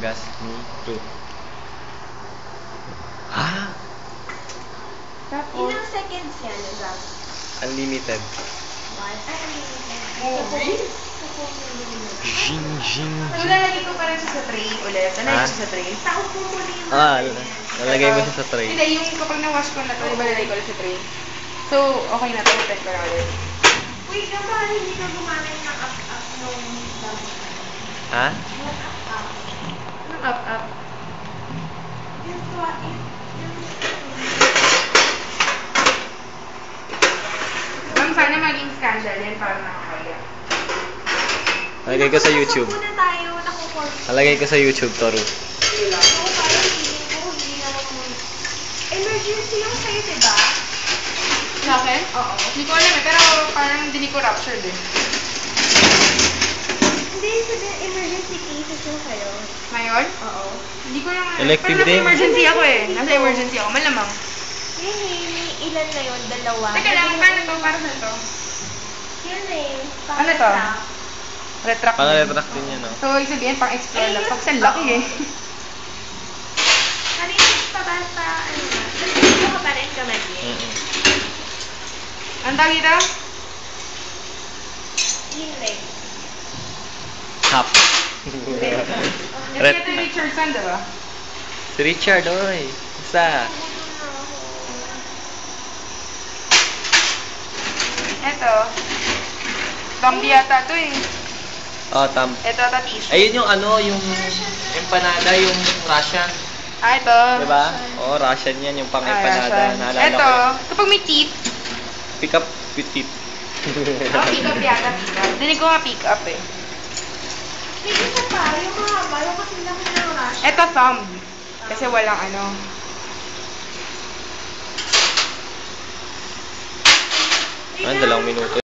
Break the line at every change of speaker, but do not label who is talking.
gas. Me too. Ha?
Tapos,
Ilang seconds yan, Zach?
Unlimited.
One? Ay,
movie?
Jing, jing,
So,
jing.
lalagay ko pa rin siya sa tray ulit. Lalagay ko siya sa tray.
Taon mo muna yung
Lalagay mo siya sa tray.
Hindi, yung kapag na-wash ko na ito, di ba lalagay ko ulit sa tray? So, okay na ito. Open ko na ulit.
Wait, paano hindi ka gumamit ng up-up nung
Ha?
Yung up-up.
Anong up-up?
Yung
Ma'am, sana maging scandal yan para nakakaya.
Lalagay ko sa YouTube.
Muna tayo, nakukorn.
Lalagay ko sa YouTube, Toru.
Oo, parang feeling ko, hindi naman mo. Emergency yung sa'yo, diba?
Sa akin?
Oo.
Hindi ko alam eh, pero parang hindi ko ruptured eh.
Hindi, sabihin, emergency cases yung sa'yo.
Ngayon?
Oo.
Hindi ko lang
Elective
pero nasa
din.
emergency ako eh. Nasa emergency ako, malamang.
Yun eh, may ilan na yun, dalawa.
Teka lang, paano to? Para saan to?
Yun eh.
Ano to? Retract.
Pang-retract din yan, no?
So, ibig sabihin, pang-explore lang.
Eh,
Kasi ang laki eh.
Narinig pa ba sa, ano na? Nandito ka pa rin kamay eh.
Ang tawag dito?
Yun leg.
Hap.
Ito yung Richardson, diba?
Si Richard, oy. Isa.
Ito. Bambi yata to eh.
Oh,
Ito, tissue.
Ayun yung ano, yung empanada, yung Russian.
Ah, ito.
Diba? Oo, Russian yan, yung pang-empanada.
Russian.
Naalala
Ito,
ko.
kapag may teeth.
Pick up with tip.
Pick up yata, pick up. Dinig ko nga pick up eh.
May isa pa, yung mahaba, yung kasi lang ng rush.
Ito, thumb. Kasi walang ano.
Ano, 2 minuto.